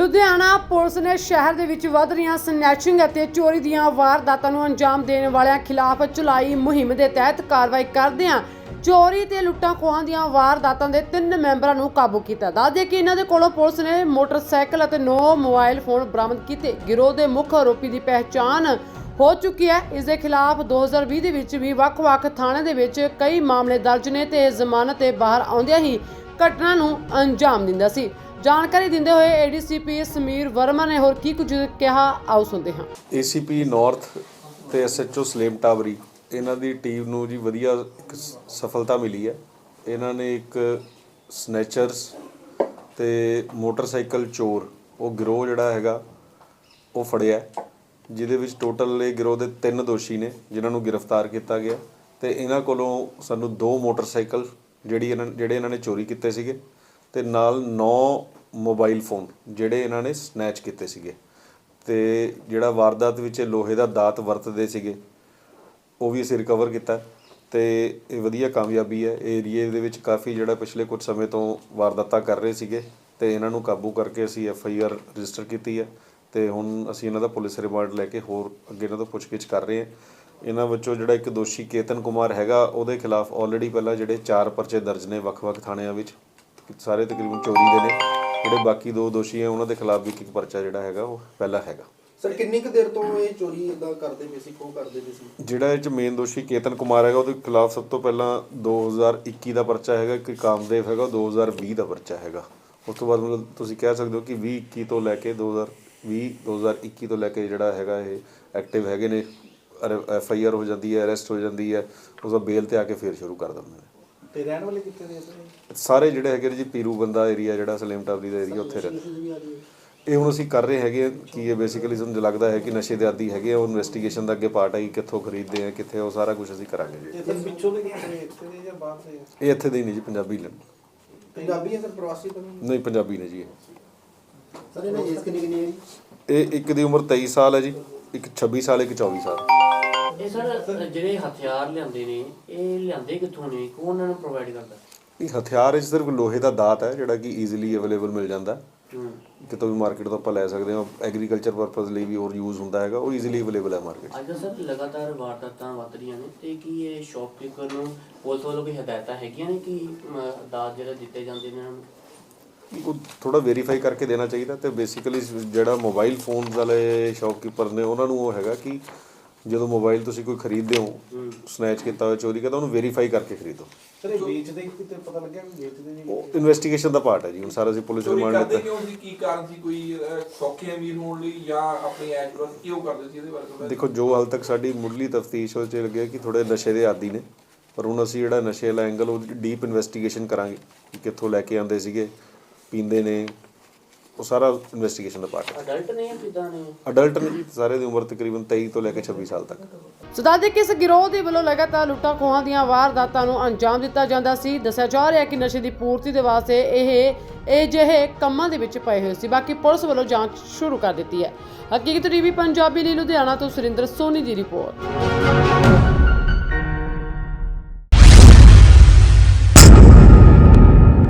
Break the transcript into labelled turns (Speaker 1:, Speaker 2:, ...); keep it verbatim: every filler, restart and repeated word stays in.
Speaker 1: Ludhiana police ਨੇ ਸ਼ਹਿਰ ਦੇ ਵਿੱਚ ਵੱਧ ਰਹੀਆਂ ਸਨੈਚਿੰਗ ਅਤੇ ਚੋਰੀ ਦੀਆਂ ਵਾਰਦਾਤਾਂ ਨੂੰ ਅੰਜਾਮ ਦੇਣ ਵਾਲਿਆਂ ਖਿਲਾਫ ਚਲਾਈ ਮੁਹਿੰਮ ਦੇ ਤਹਿਤ ਕਾਰਵਾਈ ਕਰਦਿਆਂ ਚੋਰੀ ਤੇ ਲੁੱਟਾਂ ਖੋਹਾਂ ਦੀਆਂ ਵਾਰਦਾਤਾਂ ਦੇ ਤਿੰਨ ਮੈਂਬਰਾਂ ਨੂੰ ਕਾਬੂ ਕੀਤਾ। ਦੱਸਦੇ ਕਿ ਇਹਨਾਂ ਦੇ ਕੋਲੋਂ ਪੁਲਿਸ ਨੇ ਮੋਟਰਸਾਈਕਲ ਅਤੇ ਨੌ ਮੋਬਾਈਲ ਫੋਨ ਬਰਾਮਦ ਕੀਤੇ। ਗਿਰੋਹ ਦੇ ਮੁੱਖ ਆਰੋਪੀ ਦੀ ਪਹਿਚਾਣ ਹੋ ਚੁੱਕੀ ਹੈ। ਇਸ ਦੇ ਖਿਲਾਫ ਦੋ ਹਜ਼ਾਰ ਵੀਹ ਦੇ ਵਿੱਚ ਵੀ ਵੱਖ-ਵੱਖ ਥਾਣੇ ਦੇ ਵਿੱਚ ਕਈ ਮਾਮਲੇ ਦਰਜ ਨੇ ਤੇ ਜ਼ਮਾਨਤ ਤੇ ਬਾਹਰ ਆਉਂਦਿਆਂ ਹੀ ਘਟਨਾ ਨੂੰ ਅੰਜਾਮ ਦਿੰਦਾ ਸੀ। ਜਾਣਕਾਰੀ ਦਿੰਦੇ ਹੋਏ ਏਡੀਸੀਪੀ ਸਮੀਰ ਵਰਮਾ ਨੇ ਹੋਰ ਕੀ ਕੁਝ ਕਿਹਾ, ਆਓ ਸੁਣਦੇ ਹਾਂ।
Speaker 2: ਏਸੀਪੀ ਨਾਰਥ ਤੇ ਐਸਐਚਓ ਸਲੇਮ ਟਾਵਰੀ ਇਹਨਾਂ ਦੀ ਟੀਮ ਨੂੰ ਜੀ ਵਧੀਆ ਇੱਕ ਸਫਲਤਾ ਮਿਲੀ ਹੈ। ਇਹਨਾਂ ਨੇ ਇੱਕ ਸਨੈਚਰਸ ਤੇ ਮੋਟਰਸਾਈਕਲ ਚੋਰ ਉਹ ਗਿਰੋਹ ਜਿਹੜਾ ਹੈਗਾ ਉਹ ਫੜਿਆ, ਜਿਹਦੇ ਵਿੱਚ ਟੋਟਲ ਇਹ ਗਿਰੋਹ ਦੇ ਤਿੰਨ ਦੋਸ਼ੀ ਨੇ ਜਿਨ੍ਹਾਂ ਨੂੰ ਗ੍ਰਿਫਤਾਰ ਕੀਤਾ ਗਿਆ ਤੇ ਇਹਨਾਂ ਕੋਲੋਂ ਸਾਨੂੰ ਦੋ ਮੋਟਰਸਾਈਕਲ ਜਿਹੜੀ ਇਹਨਾਂ ਜਿਹੜੇ ਇਹਨਾਂ ਨੇ ਚੋਰੀ ਕੀਤੇ ਸੀਗੇ ਤੇ ਨਾਲ ਨੌ ਮੋਬਾਈਲ ਫੋਨ ਜਿਹੜੇ ਇਹਨਾਂ ਨੇ ਸਨੈਚ ਕੀਤੇ ਸੀਗੇ ਤੇ ਜਿਹੜਾ ਵਾਰਦਾਤ ਵਿੱਚ ਲੋਹੇ ਦਾ ਦਾਤ ਵਰਤਦੇ ਸੀਗੇ ਉਹ ਵੀ ਅਸੀਂ ਰਿਕਵਰ ਕੀਤਾ ਤੇ ਇਹ ਵਧੀਆ ਕਾਮਯਾਬੀ ਹੈ। ਏਰੀਏ ਦੇ ਵਿੱਚ ਕਾਫੀ ਜਿਹੜਾ ਪਿਛਲੇ ਕੁਝ ਸਮੇਂ ਤੋਂ ਵਾਰਦਾਤਾਂ ਕਰ ਰਹੇ ਸੀਗੇ ਤੇ ਇਹਨਾਂ ਨੂੰ ਕਾਬੂ ਕਰਕੇ ਅਸੀਂ ਐਫ ਆਈ ਆਰ ਰਜਿਸਟਰ ਕੀਤੀ ਹੈ ਤੇ ਹੁਣ ਅਸੀਂ ਇਹਨਾਂ ਦਾ ਪੁਲਿਸ ਰਿਮਾਂਡ ਲੈ ਕੇ ਹੋਰ ਅੱਗੇ ਇਹਨਾਂ ਤੋਂ ਪੁੱਛਗਿੱਛ ਕਰ ਰਹੇ ਹਾਂ। ਇਹਨਾਂ ਵਿੱਚੋਂ ਜਿਹੜਾ ਇੱਕ ਦੋਸ਼ੀ ਕੇਤਨ ਕੁਮਾਰ ਹੈਗਾ ਉਹਦੇ ਖਿਲਾਫ ਆਲਰੇਡੀ ਪਹਿਲਾਂ ਜਿਹੜੇ ਚਾਰ ਪਰਚੇ ਦਰਜ ਨੇ ਵੱਖ-ਵੱਖ ਥਾਣਿਆਂ ਵਿੱਚ, ਸਾਰੇ ਤਕਰੀਬਨ ਚੋਰੀ ਦੇ ਨੇ। ਜਿਹੜੇ ਬਾਕੀ ਦੋ ਦੋਸ਼ੀ ਹੈ ਉਹਨਾਂ ਦੇ ਖਿਲਾਫ ਵੀ ਇੱਕ ਇੱਕ ਪਰਚਾ ਜਿਹੜਾ ਹੈਗਾ ਉਹ ਪਹਿਲਾਂ ਹੈਗਾ।
Speaker 3: ਸਰ ਕਿੰਨੀ ਕੁ ਦੇਰ ਤੋਂ ਇਹ ਚੋਰੀ ਇਦਾਂ ਕਰਦੇ ਪਏ ਸੀ, ਖੋਹ ਕਰਦੇ ਪਏ ਸੀ?
Speaker 2: ਜਿਹੜਾ ਇਹ 'ਚ ਮੇਨ ਦੋਸ਼ੀ ਕੇਤਨ ਕੁਮਾਰ ਹੈਗਾ ਉਹਦੇ ਖਿਲਾਫ ਸਭ ਤੋਂ ਪਹਿਲਾਂ ਦੋ ਹਜ਼ਾਰ ਇੱਕੀ ਦਾ ਪਰਚਾ ਹੈਗਾ, ਇੱਕ ਕਾਮਦੇਵ ਹੈਗਾ ਦੋ ਹਜ਼ਾਰ ਵੀਹ ਦਾ ਪਰਚਾ ਹੈਗਾ। ਉਸ ਤੋਂ ਬਾਅਦ ਮਤਲਬ ਤੁਸੀਂ ਕਹਿ ਸਕਦੇ ਹੋ ਕਿ ਵੀਹ ਇੱਕੀ ਤੋਂ ਲੈ ਕੇ ਦੋ ਹਜ਼ਾਰ ਵੀਹ ਦੋ ਹਜ਼ਾਰ ਇੱਕੀ ਤੋਂ ਲੈ ਕੇ ਜਿਹੜਾ ਹੈਗਾ ਇਹ ਐਕਟਿਵ ਹੈਗੇ ਨੇ। ਐਫ ਆਈ ਆਰ ਹੋ ਜਾਂਦੀ ਹੈ, ਅਰੈਸਟ ਹੋ ਜਾਂਦੀ ਹੈ, ਉਸ ਦਾ ਬੇਲ ਤੇ ਆ ਕੇ ਫਿਰ ਸ਼ੁਰੂ ਕਰ ਦਿੰਦੇ ਨੇ।
Speaker 3: ਤੇ ਰਹਿਣ ਵਾਲੇ ਕਿੱਥੇ ਦੇ ਸਰ?
Speaker 2: ਸਾਰੇ ਜਿਹੜੇ ਹੈਗੇ ਜੀ ਪੀਰੂ ਬੰਦਾ ਏਰੀਆ ਜਿਹੜਾ ਸਲੇਮ ਟਾਵਰੀ ਦਾ ਏਰੀਆ ਉੱਥੇ ਰਹਿੰਦੇ। ਇਹ ਹੁਣ ਅਸੀਂ ਕਰ ਰਹੇ ਹੈਗੇ ਕਿ ਇਹ ਬੇਸਿਕਲੀ ਸਾਨੂੰ ਲੱਗਦਾ ਹੈ ਕਿ ਨਸ਼ੇ ਦੇ ਆਦੀ ਹੈਗੇ, ਉਹ ਇਨਵੈਸਟੀਗੇਸ਼ਨ ਦਾ ਅੱਗੇ ਪਾਰਟ ਹੈ ਕਿ ਕਿੱਥੋਂ ਖਰੀਦਦੇ ਆ ਕਿੱਥੇ, ਉਹ ਸਾਰਾ ਕੁਝ ਅਸੀਂ ਕਰਾਂਗੇ ਜੀ।
Speaker 3: ਤੇ ਪਿੱਛੋਂ ਦੇ ਕਿਹੜੇ ਇੱਥੇ ਦੇ ਜਾਂ ਬਾਹਰ ਦੇ?
Speaker 2: ਇਹ ਇੱਥੇ ਦੇ ਹੀ ਨੇ ਜੀ, ਪੰਜਾਬੀ ਨੇ।
Speaker 3: ਪੰਜਾਬੀ ਹੈ ਸਰ, ਪ੍ਰਵਾਸੀ ਤਾਂ
Speaker 2: ਨਹੀਂ ਪੰਜਾਬੀ ਨੇ ਜੀ ਇਹ।
Speaker 3: ਸਰ ਇਹਨਾਂ ਏਜ ਕਿੰਨੀ ਕਿੰਨੀ ਹੈ ਜੀ?
Speaker 2: ਇਹ ਇੱਕ ਦੀ ਉਮਰ ਤੇਈ ਸਾਲ ਹੈ ਜੀ, ਇੱਕ ਛੱਬੀ ਸਾਲ, ਇੱਕ ਚੌਵੀ ਸਾਲ।
Speaker 4: ਇਹ ਸਰ ਜਿਹੜੇ ਹਥਿਆਰ ਲਿਆਂਦੇ ਨੇ ਇਹ ਲਿਆਂਦੇ ਕਿੱਥੋਂ ਨੇ, ਕੌਣ ਉਹਨਾਂ ਨੂੰ ਪ੍ਰੋਵਾਈਡ ਕਰਦਾ?
Speaker 2: ਇਹ ਹਥਿਆਰ ਇਸ ਸਿਰਫ ਲੋਹੇ ਦਾ ਦਾਤ ਹੈ ਜਿਹੜਾ ਕਿ ਈਜ਼ੀਲੀ ਅਵੇਲੇਬਲ ਮਿਲ ਜਾਂਦਾ, ਕਿਤੋਂ ਵੀ ਮਾਰਕੀਟ ਤੋਂ ਆਪਾਂ ਲੈ ਸਕਦੇ ਹਾਂ। ਐਗਰੀਕਲਚਰ ਪਰਪਸ ਲਈ ਵੀ ਹੋਰ ਯੂਜ਼ ਹੁੰਦਾ ਹੈਗਾ, ਉਹ ਈਜ਼ੀਲੀ ਅਵੇਲੇਬਲ ਹੈ ਮਾਰਕੀਟ।
Speaker 4: ਅੱਜ ਸਰ ਲਗਾਤਾਰ ਵਾਰਦਾਤਾਂ ਵੱਧ ਰਹੀਆਂ ਨੇ ਤੇ ਕੀ ਇਹ ਸ਼ੌਪਕੀਪਰ ਨੂੰ ਪੁਲਿਸ ਵੱਲੋਂ ਕੋਈ ਹਦਾਇਤਾਂ ਹੈਗੀਆਂ ਨੇ ਕਿ ਦਾਤ ਜਿਹੜਾ ਦਿੱਤੇ ਜਾਂਦੇ ਨੇ ਉਹਨਾਂ ਨੂੰ
Speaker 2: ਉਹ ਥੋੜਾ ਵੈਰੀਫਾਈ ਕਰਕੇ ਦੇਣਾ ਚਾਹੀਦਾ। ਤੇ ਬੇਸਿਕਲੀ ਜਿਹੜਾ ਮੋਬਾਈਲ ਫੋਨਸ ਵਾਲੇ ਸ਼ੌਪਕੀਪਰ ਨੇ ਉਹਨਾਂ ਨੂੰ ਉਹ ਹੈਗਾ ਕਿ ਜਦੋਂ ਮੋਬਾਈਲ ਤੁਸੀਂ ਕੋਈ ਖਰੀਦਦੇ ਹੋ ਸਨੈਚ ਕੀਤਾ ਹੋਇਆ, ਚੋਰੀ ਕੀਤਾ, ਉਹਨੂੰ ਵੈਰੀਫਾਈ ਕਰਕੇ ਖਰੀਦੋ।
Speaker 3: ਸਰ ਇਹ ਵੇਚਦੇ ਕਿਤੇ ਪਤਾ ਲੱਗਿਆ ਕਿ ਵੇਚਦੇ ਨੇ?
Speaker 2: ਉਹ ਇਨਵੈਸਟੀਗੇਸ਼ਨ ਦਾ ਪਾਰਟ ਹੈ ਜੀ। ਹੁਣ ਸਾਰਾ ਅਸੀਂ ਪੁਲਿਸ ਰਿਮਾਂਡ
Speaker 5: ਲਿੱਤਾ। ਕਿਉਂ ਸੀ, ਕੀ ਕਾਰਨ ਸੀ? ਕੋਈ ਸੌਖੇ ਅਮੀਰ ਹੋਣ ਲਈ ਜਾਂ ਆਪਣੀ ਐਸ਼ ਬਸ ਕਿਉਂ ਕਰਦੇ ਸੀ? ਇਹਦੇ ਬਾਰੇ ਥੋੜਾ
Speaker 2: ਦੇਖੋ, ਜੋ ਹਾਲ ਤੱਕ ਸਾਡੀ ਮੁੱਢਲੀ ਤਫਤੀਸ਼ ਉਹ 'ਚ ਲੱਗਿਆ ਕਿ ਥੋੜੇ ਨਸ਼ੇ ਦੇ ਆਦੀ ਨੇ, ਪਰ ਹੁਣ ਅਸੀਂ ਜਿਹੜਾ ਨਸ਼ੇ ਵਾਲਾ ਐਂਗਲ ਉਹ ਡੀਪ ਇਨਵੈਸਟੀਗੇਸ਼ਨ ਕਰਾਂਗੇ ਕਿ ਕਿੱਥੋਂ ਲੈ ਕੇ ਆਉਂਦੇ ਸੀਗੇ, ਪੀਂਦੇ ਨੇ, ਉਹ ਸਾਰਾ ਇਨਵੈਸਟੀਗੇਸ਼ਨ ਦਾ ਪਾਰਟ ਹੈ।
Speaker 4: ਅਡਲਟ ਨੇ ਜਾਂ ਕਿਦਾਂ ਨੇ?
Speaker 2: ਅਡਲਟ ਨੇ ਜੀ, ਸਾਰੇ ਦੀ ਉਮਰ ਤਕਰੀਬਨ ਤੇਈ ਤੋਂ ਲੈ ਕੇ ਛੱਬੀ ਸਾਲ ਤੱਕ।
Speaker 1: ਸੋ ਦੱਸਦੇ ਕਿ ਇਸ ਗਿਰੋਹ ਦੇ ਵੱਲੋਂ ਲਗਾਤਾਰ ਲੁੱਟਾਂ ਖੋਹਾਂ ਦੀਆਂ ਵਾਰਦਾਤਾਂ ਨੂੰ ਅੰਜਾਮ ਦਿੱਤਾ ਜਾਂਦਾ ਸੀ। ਦੱਸਿਆ ਜਾ ਰਿਹਾ ਕਿ ਨਸ਼ੇ ਦੀ ਪੂਰਤੀ ਦੇ ਵਾਸਤੇ ਇਹ ਇਹ ਜਿਹੇ ਕੰਮਾਂ ਦੇ ਵਿੱਚ ਪਏ ਹੋਏ ਸੀ। ਬਾਕੀ ਪੁਲਿਸ ਵੱਲੋਂ ਜਾਂਚ ਸ਼ੁਰੂ ਕਰ ਦਿੱਤੀ ਹੈ। ਹਕੀਕਤ ਟੀਵੀ ਪੰਜਾਬੀ ਲਈ ਲੁਧਿਆਣਾ ਤੋਂ ਸੁਰਿੰਦਰ ਸੋਨੀ ਦੀ ਰਿਪੋਰਟ।